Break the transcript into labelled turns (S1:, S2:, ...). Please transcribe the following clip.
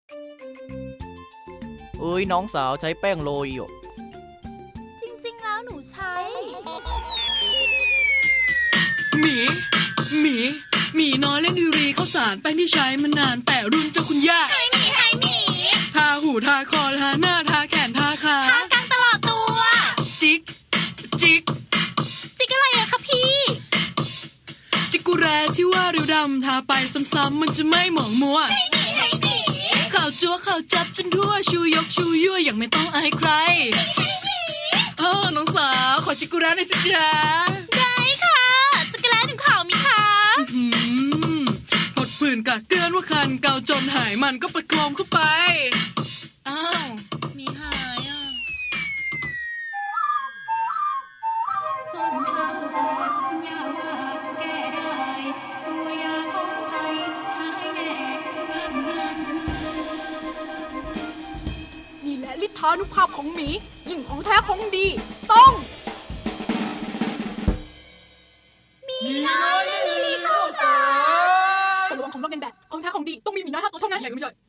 S1: เอ้ยน้องสาวใช้แป้งโรยอยู่
S2: จริงๆแล้วหนูใช้
S3: หมีน้อยเล่นดีรีข้าวสารแป้งที่ใช้มานานแต่รุ่นเจ้าคุณย่าไฮหมีทาหูทาคอทาหน้าทาแขนทาขา
S2: ทากลางตลอดตัว
S3: จิก
S2: จิกอะไรอะคะพี่
S3: จิกกุแรที่ว่าริ้วดำทาไปซ้ำๆมันจะไม่หมองมัวไฮหมีข่าวจั๊วข่าวจับจนทั่วชูยกชูยั่วอย่างไม่ต้องอายใครน้องสาวขอจิกกุแรหน่อยสิจ๊ะ
S2: ได้ค่ะจักรแล้หนูขาวมีคะ
S3: หดผื่นกะเกื้อนว่าคันเกาจนหายมันก็ประโคมเข้าไปอ้าวมีหายอ่ะ
S4: ส้นเท้าแบบคุณย่าว่าแก้ได้ ตัวยาของไทยหายแน่จะงาน
S5: นี่แหละฤทธานุภาพของหมียิ่งของแท้ของดี ต้อง
S3: มีน้อยลิลลี่ข้าวสาร
S5: แต่ระวังของเราเป็นแบบของแท้ของดีต้องมีหมีน้อย5 ตัวเท่านั้น
S3: ใหญ่ก็ไม่ใหญ่